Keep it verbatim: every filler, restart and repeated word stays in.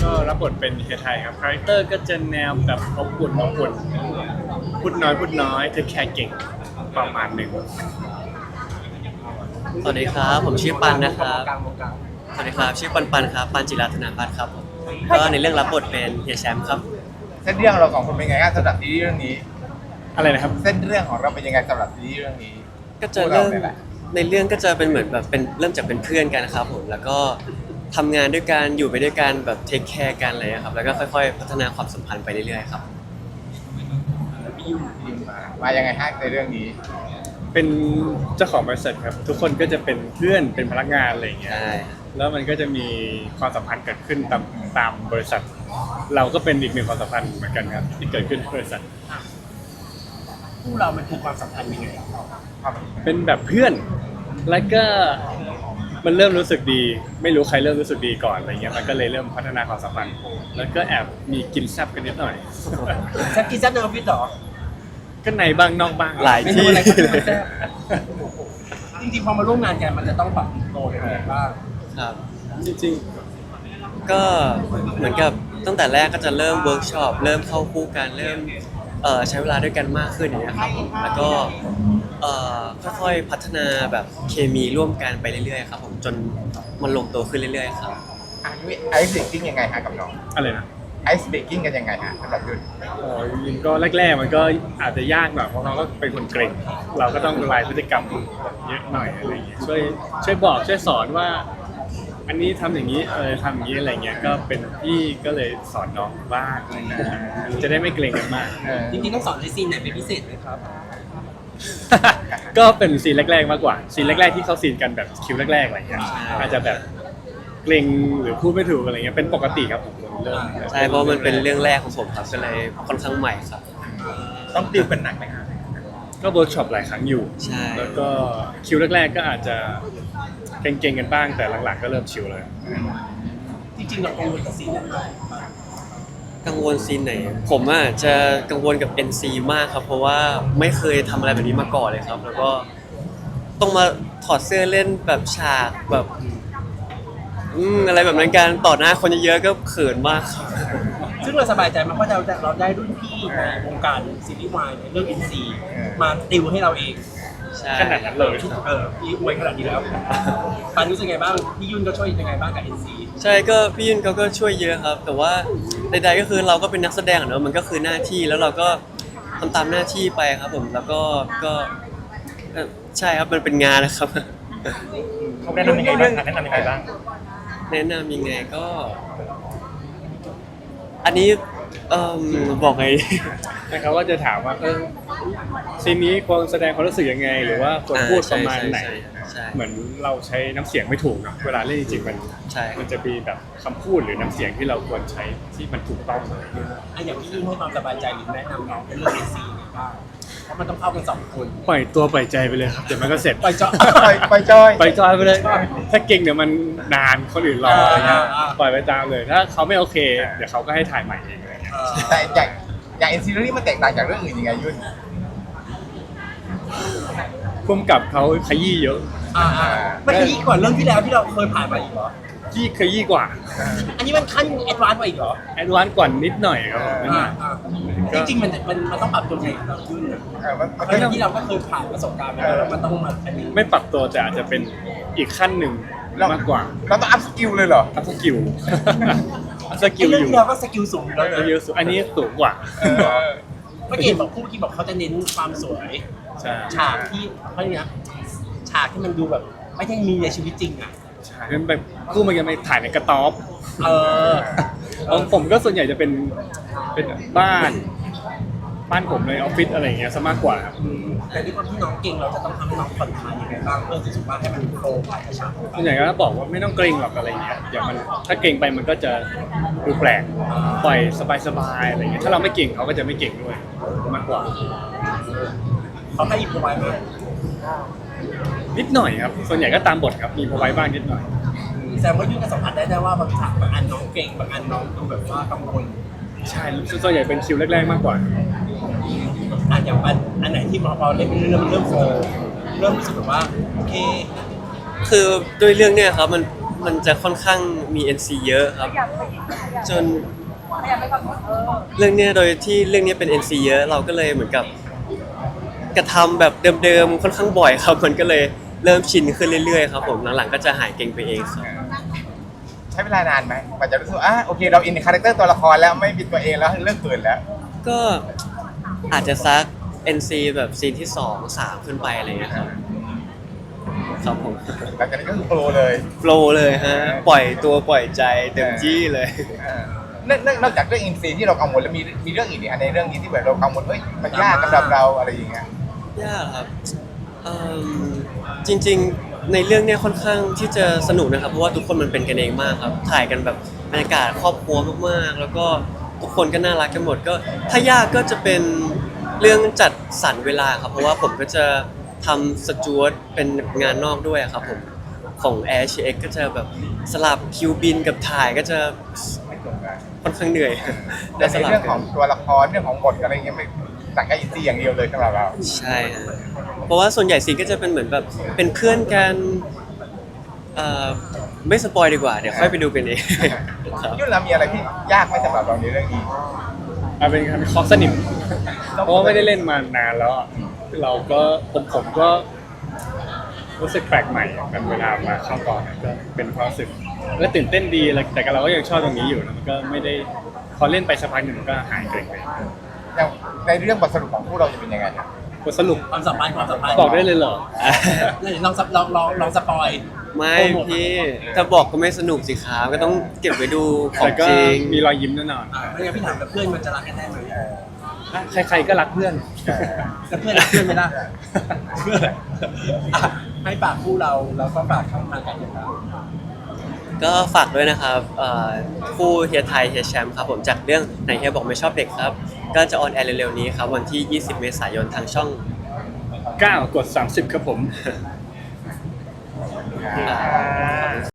ก็รับบทเป็นเฮียไทยครับคาแรคเตอร์ก็จะแนวแบบอบอุ่นอบอุ่นพูดน้อยพูดน้อยเทคแคร์เก่งประมาณหนึ่งสวัสดีครับผมชื่อปันนะครับกลางวงการสวัสดีครับชื่อปันปันครับปันจิราธนาพัฒน์ครับผมก็ในเรื่องรับบทเป็นเฮียแชมป์ครับเส้นเรื่องเราสองคนเป็นไงบ้างสำหรับซีรีส์เรื่องนี้อะไรนะครับเส้นเรื่องของเราเป็นยังไงสำหรับซีรีส์เรื่องนี้ก็จะเริ่มพวกานี่ยแหละในเรื่องก็จะเป็นเหมือนแบบเป็นเริ่มจากเป็นเพื่อนกันนะครับผมแล้วก็ทำงานด้วยกันอยู่ไปด้วยกันแบบเทคแคร์กันอะไรครับแล้วก็ค่อยๆ พัฒนาความสัมพันธ์ไปเรื่อยๆครับพี่ยุ่งยิงมามายังไงฮะในเรื่องนี้เป็นเจ้าของบริษัทครับทุกคนก็จะเป็นเพื่อนเป็นพนักงานอะไรอย่างเงี้ยใช่แล้วมันก็จะมีความสัมพันธ์เกิดขึ้นตามตามบริษัท เราก็เป็นอีกหนึ่งความสัมพันธ์เหมือนกันครับที่เกิดขึ้นในบริษัทคู่เรามันคือความสัมพันธ์ยังไงเป็นแบบเพื่อนแล้วก็มันเริ่มรู้สึกดี ไม่รู้ใครเริ่มรู้สึกดีก่อนอะไรเงี้ยมันก็เลยเริ่มพัฒนาความสัมพันธ์แล้วก็แอบมีกินแซบกันนิดหน่อยแซ่บกินแซ่บในออฟฟิศเหรอก็ในบ้างนอกบ้างหลายเมนูที่อะไรก็ที่มันแซ่บจริงๆพอมาร่วมงานกันมันจะต้องปรับตัวยังไงบ้างครับจริงก็เหมือนกับตั้งแต่แรกก็จะเริ่มเวิร์กช็อปเริ่มเข้าคู่กันเริ่มเอ่อใช้เวลาด้วยกันมากขึ้นอย่างเงี้ยครับผมแล้วก็เอ่อค่อยๆพัฒนาแบบเคมีร่วมกันไปเรื่อยๆครับผมจนมันลงตัวขึ้นเรื่อยๆครับอ่ะนี่ไอซ์เบรกกิ้งยังไงฮะกับน้องๆอะไรนะไอซ์เบรกกิ้งกันยังไงฮะสำหรับยุ่นโอ้ยจริงๆก็แรกๆมันก็อาจจะยากหน่อยเพราะเขาก็เป็นคนเกรงเราก็ต้องละลายพฤติกรรมเยอะหน่อยอะไรอย่างเงี้ยช่วยช่วยบอกช่วยสอนว่า อันนี้ทำอย่างนี้เออทำอย่างนี้อะไรเงี้ยก็เป็นพี่ก็เลยสอนน้องบ้างอะไรเงี้ยจะได้ไม่เกรงกันมากเออจริงๆต้องสอนในซีนไหนเป็นพิเศษไหมครับก็เป็นซีนแรกๆมากกว่าซีนแรกๆที่เขาซีนกันแบบคิวแรกๆอะไรเงี้ยอาจจะแบบเกรงหรือพูดไม่ถูกอะไรเงี้ยเป็นปกติครับผมเริ่มใช่เพราะมันเป็นเรื่องแรกของผมครับก็เลยค่อนข้างใหม่ครับต้องติวกันหนักไหมฮะก็เวิร์กช็อปหลายครั้งอยู่ใช่แล้วก็คิวแรกๆก็อาจจะเก่งๆกันบ้างแต่หลังๆก็เริ่มชิลเลยจริงๆเรากังวลกับซีนไหนบ้างกังวลซีนไหนผมอ่ะจะกังวลกับ เอ็น ซี มากครับเพราะว่าไม่เคยทำอะไรแบบนี้มาก่อนเลยครับ แล้วก็ต้องมาถอดเสื้อเล่นแบบฉากแบบอืมอะไรแบบนั้นการต่อหน้าคนเยอะๆก็เขินมากครับซึ่งเราสบายใจมากเพราะเราเราได้รุ่นพี่ในวงการซีรีส์วายในเรื่อง เอ็น ซี มาติวให้เราเองใช่ขนาดนั้นเลยเออพี่อวยขนาดนี้แล้วปันรู้สึกไงบ้างพี่ยุ่นก็ช่วยยังไงบ้างกับ เอ็น ซีใช่ก็พี่ยุนเขาก็ช่วยเยอะครับ แต่ว่าใดๆก็คือเราก็เป็นนักแสดงอะเนอะมันก็คือหน้าที่แล้วเราก็ทำตามหน้าที่ไปครับผมแล้วก็ก็เอ่อใช่ครับมันเป็นงานนะครับเขาแนะนำยังไงบ้างแนะนำยังไงบ้างแนะนำยังไงก็ อันนี้เอ่มบอกไงนะครับว่าจะถามว่าเออซีนนี้ควรแสดงความรู้สึกยังไง หรือว่าควรพูดประมาณไหนใช่ใช่เหมือนเราใช้น้ำเสียงไม่ถูกเนอะเวลาเล่นจริงๆมันใช่มันจะมีแบบคำพูดหรือน้ำเสียงที่เราควรใช้ที่มันถูกต้องอะไรอย่างเงี้ยอันอย่างพี่ยุ่นให้ความสบายใจหรือแนะนำน้องเป็นเรื่อง เอ็น ซี ยังไงบ้างเพราะมันต้องเข้ากันสองคนปล่อยตัวปล่อยใจไปเลยครับเดี๋ยวมันก็เสร็จไปเจาะไปไปจอยปล่อยจอยไปเลย ถ้าเก่งเดี๋ยวมันนานคนอื่นรออะไรเงี้ยอ่าปล่อยไปตามเลย ถ้าเขาไม่โอเค เดี๋ยวเขาก็ให้ถ่ายใหม่เองอะไรเงี้ยเออแต่อย่างอย่างเอ็นซีรีส์มันแตกต่างจากเรื่องอื่นยังไงยุ่นพุ่มกับเขาขยี้เยอะอ่าอ่ามันขยี้กว่าเรื่องที่แล้วที่เราเคยผ่านมาอีกเหรอยี่ขยี้กว่าอันนี้มันขั้นแอดวานซ์กว่าอีกเหรอแอดวานซ์กว่านิดหน่อยครับผมอ่าอ่าจริงๆมันมันมันต้องปรับตัวไงเรายุ่นอะเออมันมันเพราะอย่างที่เราก็เคยผ่านประสบการณ์มาแล้วแล้วมันต้องมาอันนี้ไม่ปรับตัวแต่อาจจะเป็นอีกขั้นหนึ่งมากกว่าเราต้องอัพสกิลเลยเหรออัพสกิล อัพสกิลไอ้อเรื่องยู่ที่แล้วก็สกิลสูงอยู่แล้วสนะกิลสูงอันนี้สูงกว่าเออเมื่อกี้บอกคู่เมื่อกี้บอกเขาจะเน้นความสวยใช่ฉากที่เขาเรียกนะฉากที่มันดูแบบไม่ได้มีในชีวิตจริงอ่ะใช่เป็นแบบกู้มันยังไปถ่ายในกระต๊อบเออของผมก็ส่วนใหญ่จะเป็นเป็นบ้านบ้านผมในออฟฟิศอะไรอย่างเงี้ยซะมากกว่าครับแต่ด้วยความที่น้องเก่งเราจะต้องทำให้น้องผ่อนคลายยังไงบ้างเพื่อที่สุดว่าให้มันโฟล์ไปกับฉากส่วนใหญ่ก็บอกว่าไม่ต้องเกรงหรอกอะไรเงี้ยเดี๋ยวมันถ้าเกรงไปมันก็จะดูแปลกปล่อยสบายๆอะไรเงี้ยถ้าเราไม่เก่งเขาก็จะไม่เก่งด้วยมากกว่าเขาให้อินพอไว้ไหมนิดหน่อยครับส่วนใหญ่ก็ตามบทครับมีพอไว้บ้างนิดหน่อยแสดงว่ายุ่งกับสัมผัสได้ได้ว่าบางฉากบางอันน้องเก่งบางอันน้องดูแบบว่ากังวลใช่ส่วนใหญ่เป็นคิวแรกๆมากกว่าอ่ะอย่างอันอันไหนที่พอเราเล่นไปเริ่มเริ่มโฟล์เริ่มรู้สึกแบบว่าโอเคคือด้วยเรื่องเนี้ยครับมันมันจะค่อนข้างมี เอ็น ซี เยอะครับอยากไปอยากจนอยากไปก่อนเออเรื่องเนี้ยโดยที่เรื่องเนี้ยเป็น เอ็น ซี เยอะเราก็เลยเหมือนกับกระทำแบบเดิมๆค่อนข้างบ่อยครับ มันก็เลยเริ่มชินขึ้นเรื่อยๆครับผมหลังๆก็จะหายเก่งไปเองครับใช้เวลานานไหมกว่าจะรู้สึกว่าอ่ะโอเคเราอินในคาแรคเตอร์ตัวละครแล้วไม่เป็นตัวเองแล้วเลิกเขินแล้วก็อาจจะซัก เอ็น ซี แบบซีนที่สองสามขึ้นไปอะไรอย่างเงี้ยครับครับผมหลังจากนั้นก็คือโปรเลยโฟลว์เลยฮะปล่อยตัวปล่อยใจเต็มที่เลยเออนอกนอกนอกจากเรื่องอินซีที่เรากังวลแล้วมีมีเรื่องอีกเนี่ยในเรื่องนี้ที่แบบเรากังวลเฮ้ยมันยากสำหรับเราอะไรอย่างเงี้ยยากครับเอิ่มจริงๆในเรื่องเนี้ยค่อนข้างที่จะสนุกนะครับเพราะว่าทุกคนมันเป็นกันเองมากครับถ่ายกันแบบบรรยากาศครอบครัวมากๆ แล้วก็ทุกคนก็น่ารักกันหมดก็ถ้ายากก็จะเป็นเรื่องจัดสรรเวลาครับเพราะว่าผมก็จะทำสจวตเป็นงานนอกด้วยครับผมของ Air เอช เอ็กซ์ ก็จะแบบสลับคิวบินกับถ่ายก็จะไม่ตรงกันค่อนข้างเหนื่อยแต่ในสลับเรื่องกัของตัวละครเรื่องของบทอะไรเงี้ยไม่ต่างกับอินซีอย่างเดียวเลยสำหรับเราใช่ฮะเพราะว่าส่วนใหญ่ซีนก็จะเป็นเหมือนแบบเป็นเพื่อนกันเอ่อไม่สปอยดีกว่า เดี๋ยวค่อยไปดูกันเอง ครับยุ่นเรามีอะไรที่ยากไหมสำหรับเราในเรื่องนี้เอาเป็นคำคอสนิมเพราะว่าไม่ได้เล่นมานานแล้วอะเราก็ผมผมก็รู้สึกแปลกใหม่กันเวลามาเข้ากองเนี่ยก็เป็นความรู้สึกแล้วตื่นเต้นดีแล้วแต่เราก็ยังชอบตรงนี้อยู่นะมันก็ไม่ได้พอเล่นไปสักพักหนึ่งมันก็หายเกร็งไปอย่างในเรื่องบทสรุปของพวกเราจะเป็นยังไงครับบทสรุปความสัมพันธ์ความสัมพันธ์บอกได้เลยเหรอนี่ลองสับลองลองลองสปอยไม่พี่ถ้าบอกก็ไม่สนุกสิครับก็ต้องเก็บไว้ดูขอแต่งก็จริงมีรอยยิ้มแน่นอนอ่าไม่งั้นพี่ถามกับเพื่อนมันจะรักกันได้ไหมใครๆก็รักเพื่อนแล้วเพื่อนรักเพื่อนไหมล่ะอ่ะให้ฝากคู่เราแล้วก็ฝากช่องทางการติดตามก็ฝากด้วยนะครับเอ่อคู่เฮียไทยเฮียแชมป์ครับผมจากเรื่องไหนเฮียบอกไม่ชอบเด็กครับ ก็จะออนแอร์เร็วๆนี้ครับวันที่ ยี่สิบ เมษายนทางช่องเก้ากดสามสิบครับผมอ่า